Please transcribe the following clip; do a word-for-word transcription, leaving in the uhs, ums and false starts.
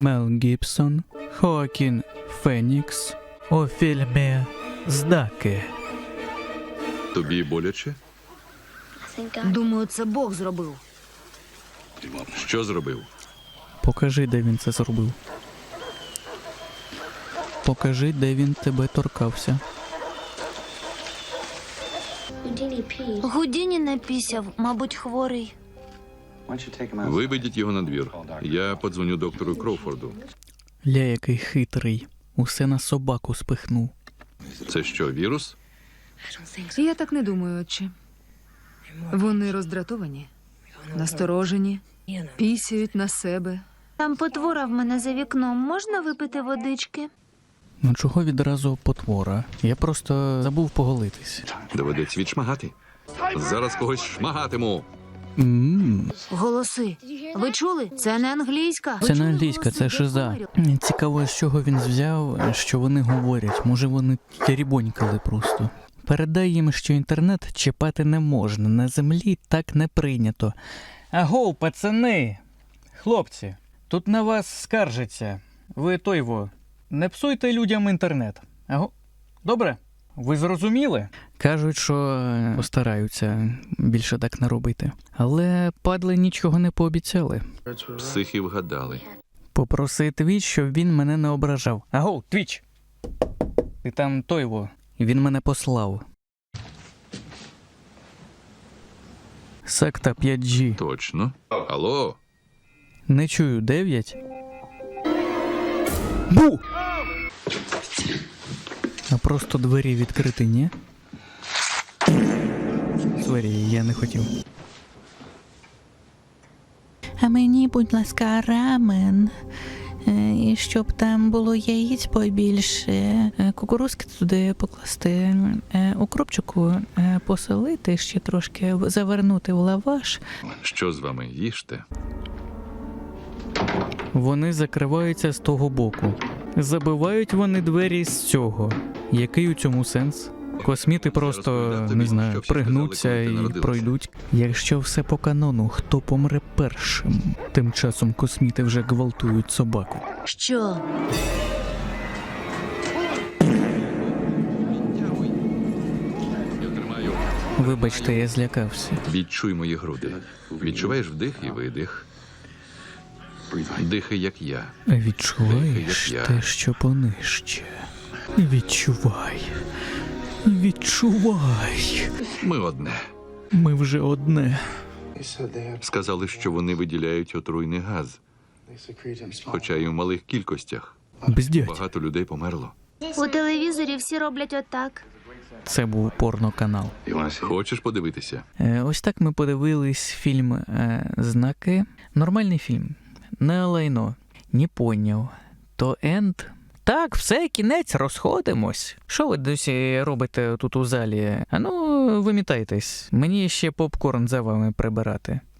Мел Гібсон, Хоакін Фенікс у фільмі «Знаки». Тобі боляче? Думаю, це Бог зробив. Що зробив? Покажи, де він це зробив. Покажи, де він тебе торкався. Гудіні напісяв, мабуть, хворий. Виведіть його на двір. Я подзвоню доктору Кроуфорду. Ля, який хитрий. Усе на собаку спихнув. Це що, вірус? Я так не думаю, отче. Вони роздратовані, насторожені, пісяють на себе. Там потвора в мене за вікном. Можна випити водички? Ну чого відразу потвора? Я просто забув поголитись. Доведеться відшмагати. Зараз когось шмагатиму. Ммм, Голоси. Ви чули? Це не англійська. Ви це не чули англійська, голоси? це Я шиза. говорю. Цікаво, з чого він взяв, що вони говорять. Може, вони тірібонькали просто. Передай їм, що інтернет чіпати не можна. На землі так не прийнято. Агоу, пацани! Хлопці, тут на вас скаржаться. Ви той во. Не псуйте людям інтернет. Аго. Добре? Ви зрозуміли? Кажуть, що постараються більше так не робити. Але падли нічого не пообіцяли. Психи вгадали. Попроси Твіч, щоб він мене не ображав. Аго, Твіч! Ти там той во. Він мене послав. Секта п'ять джі. Точно. Алло? Не чую, дев'ять. Бу! А просто двері відкриті, ні? Сорі, я не хотів. А мені, будь ласка, рамен. Е, І щоб там було яєць побільше, е, кукурузки туди покласти, е, укропчику е, посолити, ще трошки в- завернути в лаваш. Що з вами? Їжте. Вони закриваються з того боку. Забивають вони двері з цього. Який у цьому сенс? Косміти просто, розповідав тобі, не що знаю, всі пригнуться сказали, коли ти і народилася. пройдуть. Якщо все по канону, хто помре першим? Тим часом косміти вже гвалтують собаку. Що? Я тримаю. Вибачте, я злякався. Відчуй мої груди. Відчуваєш вдих і видих. Дихай, як я. Відчуваєш Як я. те, що понижче. Відчувай. Відчувай. Ми одне. Ми вже одне. Сказали, що вони виділяють отруйний газ, хоча й у малих кількостях. Бздять. Багато людей померло. У телевізорі всі роблять отак. Це був порноканал. Хочеш подивитися? Е, Ось так ми подивились фільм е, «Знаки». Нормальний фільм. Не лайно. Не поняв. То енд? Так, все, кінець, розходимось. Що ви досі робите тут у залі? А ну, вимітайтесь. Мені ще попкорн за вами прибирати.